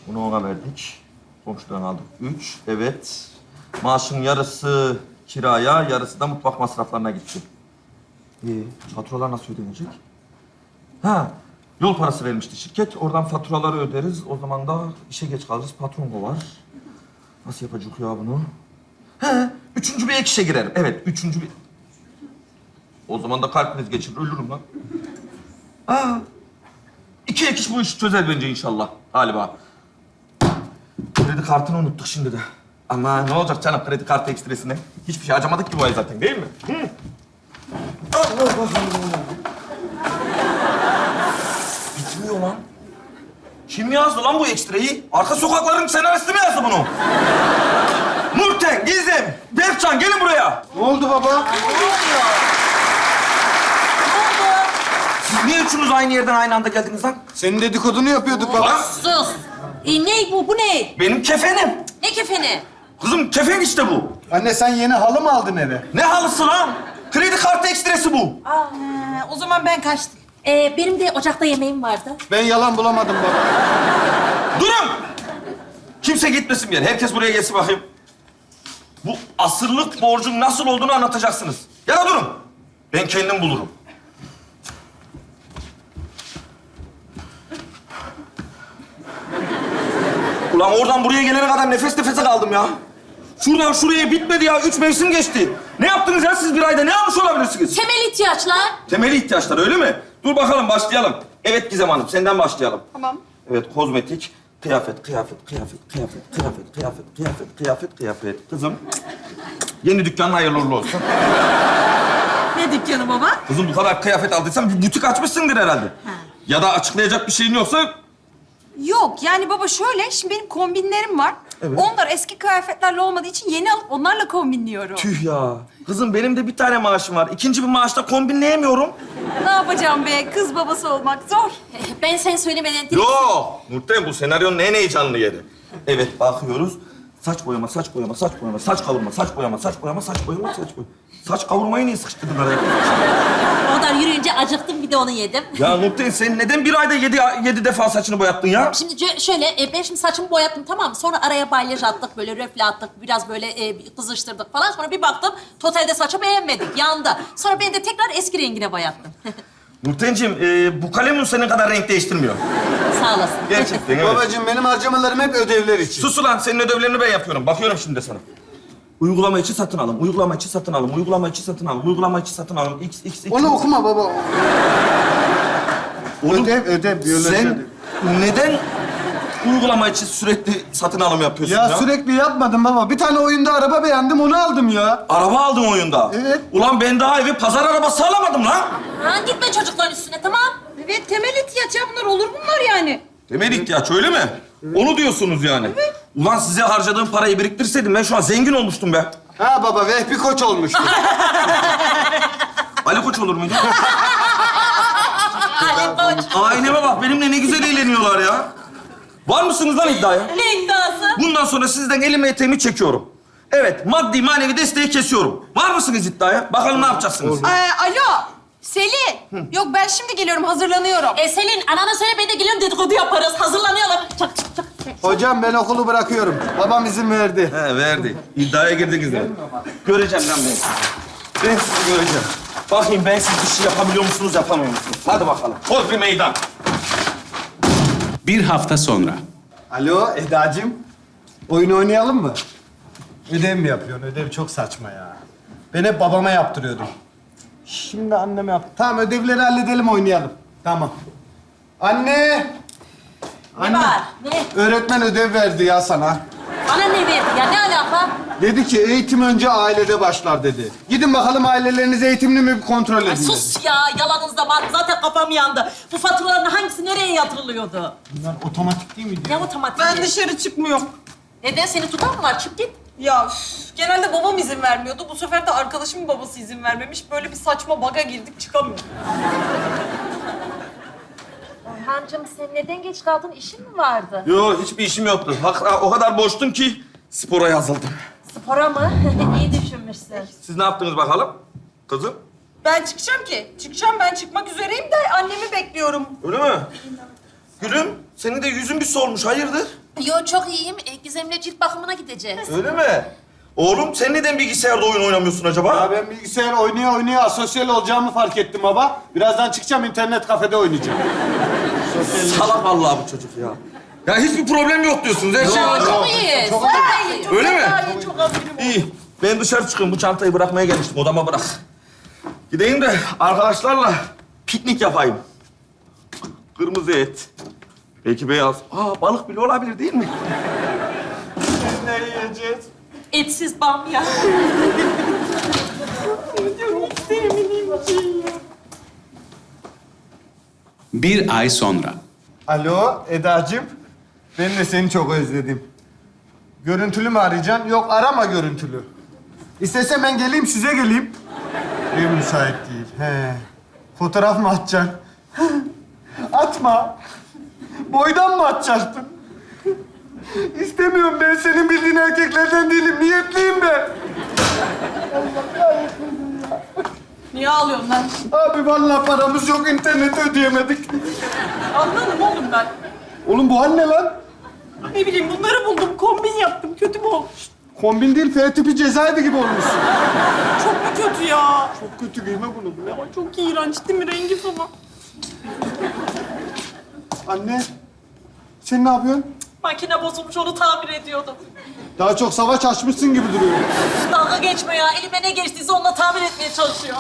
Bunu ona verdik. Komşudan aldık 3. Evet. Maaşın yarısı kiraya, yarısı da mutfak masraflarına gitti. Faturalar nasıl ödenecek? Ha, yol parası vermişti şirket. Oradan faturaları öderiz. O zaman da işe geç kalırız. Patron kovar. Nasıl yapacak ya bunu? He, üçüncü bir ek işe girerim. Evet, üçüncü bir... O zaman da kalp krizi geçirir, ölürüm lan. Aa, 2 ek iş bu işi çözer bence inşallah. Galiba. Kredi kartını unuttuk şimdi de. Ama ne olacak canım kredi kartı ekstresine? Hiçbir şey harcamadık ki bu ay zaten değil mi? Hı? Allah Allah. Bitmiyor lan. Kim yazdı lan bu ekstreyi? Arka sokakların senaristi mi yazdı bunu? Nurten, Gizem, Berkcan gelin buraya. Ne oldu baba? Siz niye üçünüz aynı yerden aynı anda geldiniz lan? Senin dedikodunu yapıyorduk baba. Lan Sus. Ne bu? Bu ne? benim kefenim. Ne kefeni? Kızım kefen işte bu. Anne sen yeni halı mı aldın eve? Ne halısı lan? Kredi kartı ekstresi bu. O zaman ben kaçtım. Benim de ocakta yemeğim vardı. Ben yalan bulamadım baba. Durun! Kimse gitmesin bir yere. Herkes buraya gelsin bakayım. Bu asırlık borcun nasıl olduğunu anlatacaksınız. Ya da durun. Ben kendim bulurum. Ulan oradan buraya gelene kadar nefes nefese kaldım ya. Şuradan şuraya bitmedi ya. 3 mevsim geçti. Ne yaptınız ya siz bir ayda? Ne almış olabilirsiniz? Temel ihtiyaçlar. Temeli ihtiyaçlar öyle mi? Dur bakalım başlayalım. Evet Gizem Hanım senden başlayalım. Tamam. Evet kozmetik, kıyafet. Kızım yeni dükkanın hayırlı uğurlu olsun. Ne dükkanı baba? Kızım bu kadar kıyafet aldıysan bir butik açmışsındır herhalde. Ya da açıklayacak bir şeyin yoksa Yok yani baba şöyle, şimdi benim kombinlerim var. Evet. Onlar eski kıyafetlerle olmadığı için yeni alıp onlarla kombinliyorum. tüh ya. Kızım benim de bir tane maaşım var. İkinci bir maaşta kombinleyemiyorum. Ne yapacağım be? Kız babası olmak zor. Ben sen söylemeden... Yo, Nurten bu senaryonun en heyecanlı yeri. Evet bakıyoruz. Saç kavurma. Saç kavurmayı niye sıkıştırdın araya? O kadar yürüyünce acıktım, bir de onu yedim. Ya Nurten sen neden bir ayda 7 defa saçını boyattın ya? Şimdi şöyle, ben şimdi saçımı boyattım, tamam mı? Sonra araya balyaj attık, böyle röfle attık, biraz böyle kızıştırdık falan. Sonra bir baktım, totalde saçı beğenmedik, yandı. Sonra ben de tekrar eski rengine boyattım. Nurtenciğim, bu kalemun senin kadar renk değiştirmiyor. Sağ olasın. Gerçekten evet. Babacığım benim harcamalarım hep ödevler için. Sus ulan, senin ödevlerini ben yapıyorum. Bakıyorum şimdi de sana. Uygulama içi satın alın, uygulama içi satın alın, uygulama içi satın alın, uygulama içi satın alın. X. Onu okuma baba. Oğlum, Ödev, biyoloji sen ödev. neden uygulama içi sürekli satın alım yapıyorsun Ya ya? sürekli yapmadım baba. Bir tane oyunda araba beğendim, onu aldım ya. Araba aldın oyunda. Evet. Ulan ben daha evi pazar arabası alamadım lan. Ha, gitme çocukların üstüne, tamam. Evet, temel ihtiyaç ya bunlar, olur bunlar yani. Temel ihtiyaç öyle mi? Onu diyorsunuz yani. Ulan size harcadığım parayı biriktirseydim ben şu an zengin olmuştum be. Ha baba, Vehbi Koç olmuştu. Ali Koç olur muydu? Ali Koç. Aileme bak benimle ne güzel eğleniyorlar ya. Var mısınız lan iddiaya? Ne iddiası? Bundan sonra sizden elimi eteğimi çekiyorum. Evet, maddi manevi desteği kesiyorum. Var mısınız iddiaya? Bakalım ne yapacaksınız? Alo, Selin. Yok ben şimdi geliyorum, hazırlanıyorum. Selin, anana söyle, ben de geliyorum, dedikodu yaparız. Hazırlanıyorlar. Çak. Hocam ben okulu bırakıyorum. Babam izin verdi. He, verdi. İddiaya girdiniz de. Göreceğim lan ben sizi. Ben sizi göreceğim. Bakayım ben siz bir şey yapabiliyor musunuz, yapamıyor musunuz? Hadi bakalım. Koz bir meydan. Bir hafta sonra. Alo Eda'cığım. Oyun oynayalım mı? Ödev mi yapıyorsun? Ödev çok saçma ya. Ben hep babama yaptırıyordum. Şimdi anneme yap. Tamam ödevleri halledelim, oynayalım. Tamam. Anne! Ne var? Ne? Öğretmen ödev verdi ya sana. Bana ne verdi ya? Ne alaka? Dedi ki eğitim önce ailede başlar dedi. Gidin bakalım aileleriniz eğitimli mi bir kontrol edin Ay dedi. sus ya, yalanınız da var. Zaten kafam yandı. Bu faturaların hangisi nereye yatırılıyordu? Bunlar otomatik değil mi? Ne otomatik? Ben dışarı çıkmıyorum. Neden? Seni tutan mı var? Çık git. Ya genelde babam izin vermiyordu. Bu sefer de arkadaşımın babası izin vermemiş. Böyle bir saçma baga girdik, çıkamıyorum. Orhancığım, sen neden geç kaldın? İşin mi vardı? Yo, hiçbir işim yoktu. O kadar boştum ki spora yazıldım. Spora mı? İyi düşünmüşsün. Siz ne yaptınız bakalım? Kızım, Ben çıkacağım ki. Çıkacağım, ben çıkmak üzereyim de annemi bekliyorum. öyle mi? Gülüm, senin de yüzün bir solmuş. Hayırdır? Yo çok iyiyim. Gizem'le cilt bakımına gideceğiz. Öyle mi? Oğlum sen neden bilgisayarda oyun oynamıyorsun acaba? Ya ben bilgisayar oynaya asosyal olacağımı fark ettim baba. Birazdan çıkacağım internet kafede oynayacağım. Salak vallahi bu çocuk ya. Ya hiçbir problem yok diyorsunuz. Her şey Yo, var. çok iyiyiz. Çok iyiyiz. Öyle mi? Çok aferin. İyi. Ben dışarı çıkıyorum. Bu çantayı bırakmaya gelmiştim. Odama bırak. Gideyim de arkadaşlarla piknik yapayım. Kırmızı et. Belki beyaz. Balık bile olabilir değil mi? Ne yiyeceğiz? Etsiz bamya. Bir ay sonra. Alo Edacığım. Ben de seni çok özledim. Görüntülü mü arayacaksın? Yok arama görüntülü. İstesem ben geleyim size geleyim. Ev müsait değil. He. Fotoğraf mı atacaksın? Atma. Boydan mı atacaktın? İstemiyorum ben senin bildiğin erkeklerden değilim. Niyetliyim ben. Niye ağlıyorsun lan? Abi vallahi paramız yok, interneti ödeyemedik. Anladım oğlum ben. Oğlum bu hal ne lan? Ne bileyim bunları buldum, kombin yaptım. Kötü mü olmuş? Kombin değil, F tipi cezaevi gibi olmuşsun. Çok mu kötü ya? Çok kötü giyme bunu. Bu ne? Ama çok iğrenç değil mi rengi falan? Anne, sen ne yapıyorsun? Makine bozulmuş, onu tamir ediyordum. Daha çok savaş açmışsın gibi duruyor. Dalga geçme ya. Elime ne geçtiyse onunla tamir etmeye çalışıyor.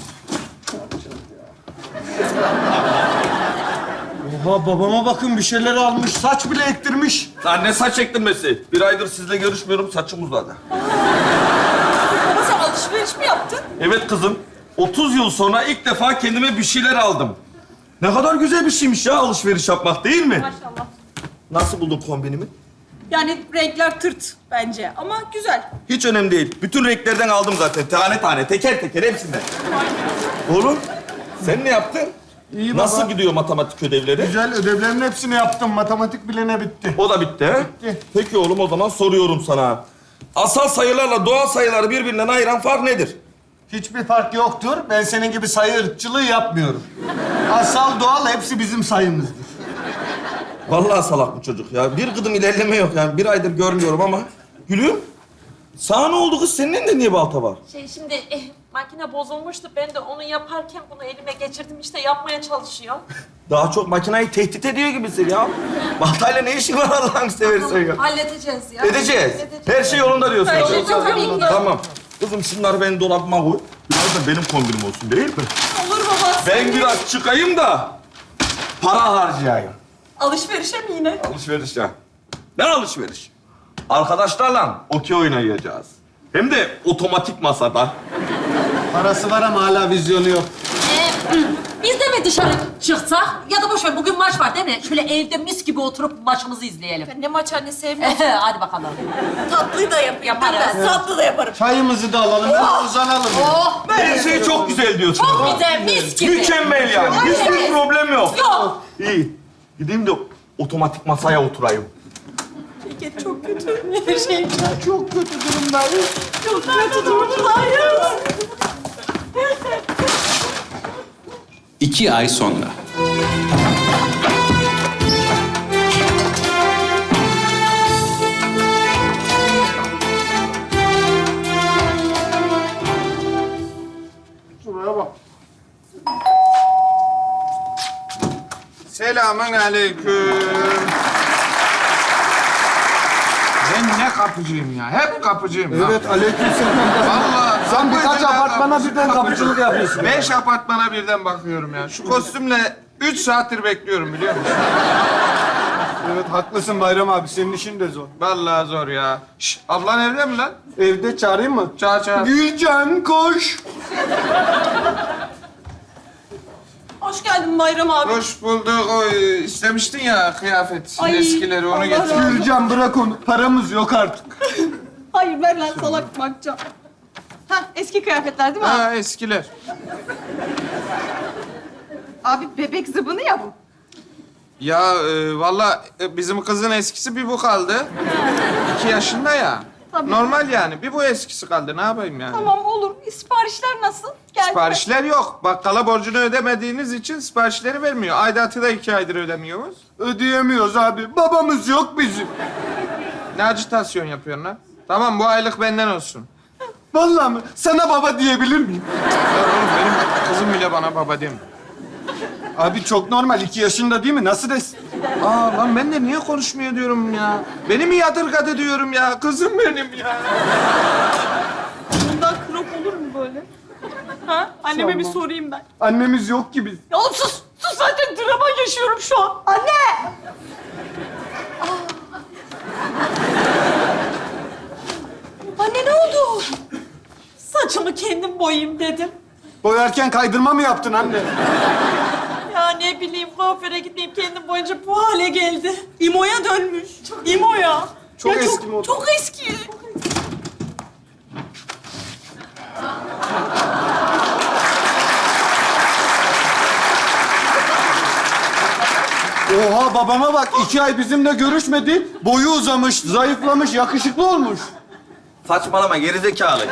Oha babama bakın bir şeyler almış, saç bile ektirmiş. Lan ne saç ektirmesi? Bir aydır sizle görüşmüyorum. Saçım uzadı. Baba sen alışveriş mi yaptın? Evet kızım. 30 yıl sonra ilk defa kendime bir şeyler aldım. Ne kadar güzel bir şeymiş ya alışveriş yapmak değil mi? Maşallah. Nasıl buldun kombinimi? Yani renkler tırt bence ama güzel. Hiç önemli değil. Bütün renklerden aldım zaten. Tane tane, teker teker hepsinden. Oğlum, sen ne yaptın? İyi baba. Nasıl gidiyor matematik ödevleri? Güzel, ödevlerin hepsini yaptım. Matematik bilene bitti. O da bitti, he? Bitti. Peki oğlum, o zaman soruyorum sana. Asal sayılarla doğal sayıları birbirinden ayıran fark nedir? Hiçbir fark yoktur. Ben senin gibi sayı ırkçılığı yapmıyorum. Asal doğal hepsi bizim sayımızdır. Vallahi salak bu çocuk ya. Bir gıdım ilerleme yok yani. Bir aydır görmüyorum ama. Gülüm, sana ne oldu kız? Senin elinde niye balta var? Şimdi makine bozulmuştu. Ben de onu yaparken bunu elime geçirdim. İşte yapmaya çalışıyorum. Daha çok makinayı tehdit ediyor gibisin ya. Baltayla ne işin var Allah'ını seversen ya? Halledeceğiz ya. Edeceğiz. Her şey yolunda diyorsun. Her şey çok tabii ki. Tamam. Kızım şunları benim dolabıma koy. Biraz da benim kombinim olsun değil mi? Olur baba. Ben biraz çıkayım da para harcayayım. Alışverişe mi yine? Alışveriş ya. Ne alışveriş? Arkadaşlarla okey oynayacağız. Hem de otomatik masada. Parası var ama hala vizyonu yok. Biz de mi dışarı çıksak? Ya da boş ver, bugün maç var değil mi? Şöyle evde mis gibi oturup maçımızı izleyelim. Ben ne maç anne sevmiyorum. Hadi bakalım. Tatlıyı da yaparım ben. Tatlı da yaparım. Çayımızı da alalım, biraz uzanalım. Oh! Her şey çok güzel diyorsun. Çok güzel, mis gibi. Mükemmel yani. Hiçbir Evet. problem yok. Yok. İyi. Gideyim de otomatik masaya oturayım. Ceket çok kötü. Her şey Çok kötü durumdayız. çok kötü durumdayız. 2 ay sonra. Şuraya bak. Selamun aleyküm. Ben ne kapıcıyım ya? Hep kapıcıyım. Evet, aleykümselam. Vallahi Sen birkaç apartmana birden kapıcılık yapıyorsun. 5 apartmana birden bakıyorum ya. Şu kostümle 3 saattir bekliyorum biliyor musun? Evet, haklısın Bayram abi. Senin işin de zor. Vallahi zor ya. Şş, ablan evde mi lan? Evde çağırayım mı? Çağır çağır. Gülcan koş. Hoş geldin Bayram abi. Hoş bulduk. O istemiştin ya kıyafet. Ay, Eskileri onu Allah getir. razı olsun. Gülcan bırak onu. Paramız yok artık. Hayır ver lan salak bakacağım. Ha eski kıyafetler değil mi abi? Ha eskiler. Abi bebek zıbını ya bu. Ya vallahi bizim kızın eskisi bir bu kaldı. 2 yaşında ya. Normal yani. Bir bu eskisi kaldı. Ne yapayım yani? Tamam olur. Siparişler nasıl? Geldi mi? Siparişler yok. Bakkala borcunu ödemediğiniz için siparişleri vermiyor. Aidatı da 2 aydır ödemiyoruz. Ödeyemiyoruz abi. Babamız yok bizim. Ne acitasyon yapıyorsun lan? Tamam bu aylık benden olsun. Vallahi mi? Sana baba diyebilir miyim? Ya oğlum benim kızım bile bana baba demiyor. Abi çok normal. 2 yaşında değil mi? Nasıl desin? Aa lan ben de niye konuşmuyor diyorum ya. Beni mi yadırgadı diyorum ya. Kızım benim ya. Bundan krop olur mu böyle? Ha? Anneme bir sorayım ben. Annemiz yok ki biz. Ya oğlum sus! Sus zaten drama yaşıyorum şu an. Anne! Anne ne oldu? Saçımı kendim boyayayım dedim. Boyarken kaydırma mı yaptın anne? Ya ne bileyim kuaföre gitmeyip kendim boyunca bu hale geldi. İmo'ya dönmüş. İmo'ya. Çok Ya eski moda. Çok eski. Oha babama bak. 2 ay bizimle görüşmedi. Boyu uzamış, zayıflamış, yakışıklı olmuş. Saçmalama gerizekalı.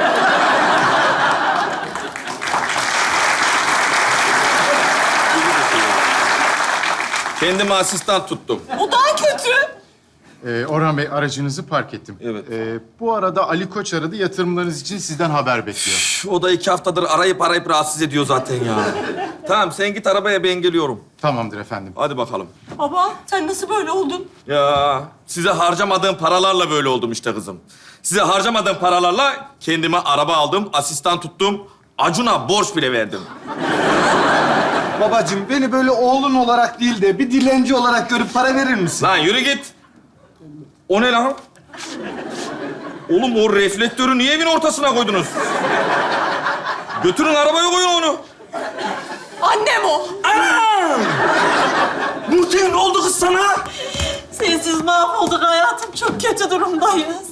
Kendime asistan tuttum. O daha kötü. Orhan Bey aracınızı park ettim. Evet. Bu arada Ali Koç aradı. Yatırımlarınız için sizden haber bekliyor. Üf, o da 2 haftadır arayıp rahatsız ediyor zaten ya. Tamam sen git arabaya ben geliyorum. Tamamdır efendim. Hadi bakalım. Baba sen nasıl böyle oldun? Ya size harcamadığım paralarla böyle oldum işte kızım. Size harcamadığım paralarla kendime araba aldım, asistan tuttum. Acun'a borç bile verdim. Babacığım beni böyle oğlun olarak değil de bir dilenci olarak görüp para verir misin? Lan yürü git. O ne lan? Oğlum o reflektörü niye evin ortasına koydunuz? Götürün arabaya koyun onu. Annem o. Anam! Nurten ne oldu kız sana? Sensiz mahvolduk hayatım. Çok kötü durumdayız.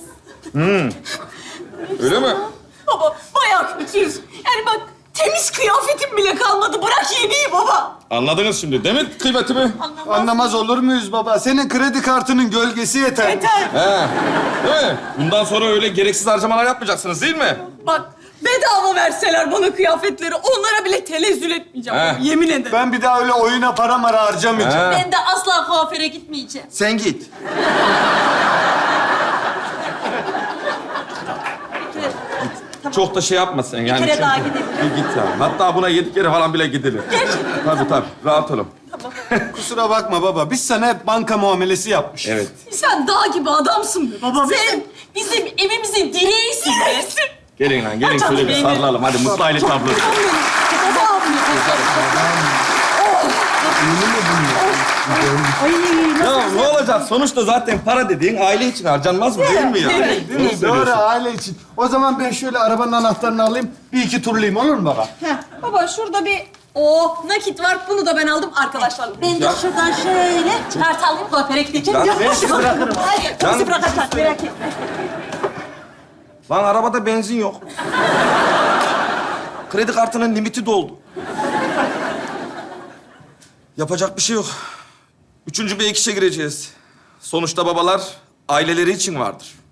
Öyle mi? Baba bayağı kötüyüz. Yani bak temiz kıyafetim bile kalmadı. Bırak yemeği baba. Anladınız şimdi değil mi kıymetimi? Anlamaz olur muyuz baba? Senin kredi kartının gölgesi yeter. Yeter. He. Değil mi? Bundan sonra öyle gereksiz harcamalar yapmayacaksınız değil mi? Bak bedava verseler bana kıyafetleri onlara bile tenezzül etmeyeceğim. He. Yemin ederim. Ben bir daha öyle oyuna para mara harcamayacağım. He. Ben de asla kuaföre gitmeyeceğim. Sen git. Çok da şey yapma sen yani. kere çünkü- daha gidelim. Bir git ya. Hatta buna 7 kere falan bile gidilir. Tabii. Rahat olun. Kusura bakma baba. Biz sana hep banka muamelesi yapmışız. Evet. Sen dağ gibi adamsın be baba. Sen bizim evimizin direğisin be. Gelin lan gelin Hadi şöyle bir beni. sarılalım. Hadi mutlu aile tablosu. Babam. Ya ne olacak? Sonuçta zaten para dediğin aile için harcanmaz mı değil mi ya? Değil mi? Doğru aile için. O zaman ben şöyle arabanın anahtarını alayım. Bir iki turlayayım olur mu baba? Baba şurada bir nakit var. Bunu da ben aldım arkadaşlarla. Ben de şuradan şöyle kart alayım kuaföre gideceğim. Lan, Bizi bırakırım. Bizi bırakırlar merak etme. Lan arabada benzin yok. Kredi kartının limiti doldu. Yapacak bir şey yok. 3. bir ek işe gireceğiz. Sonuçta babalar aileleri için vardır.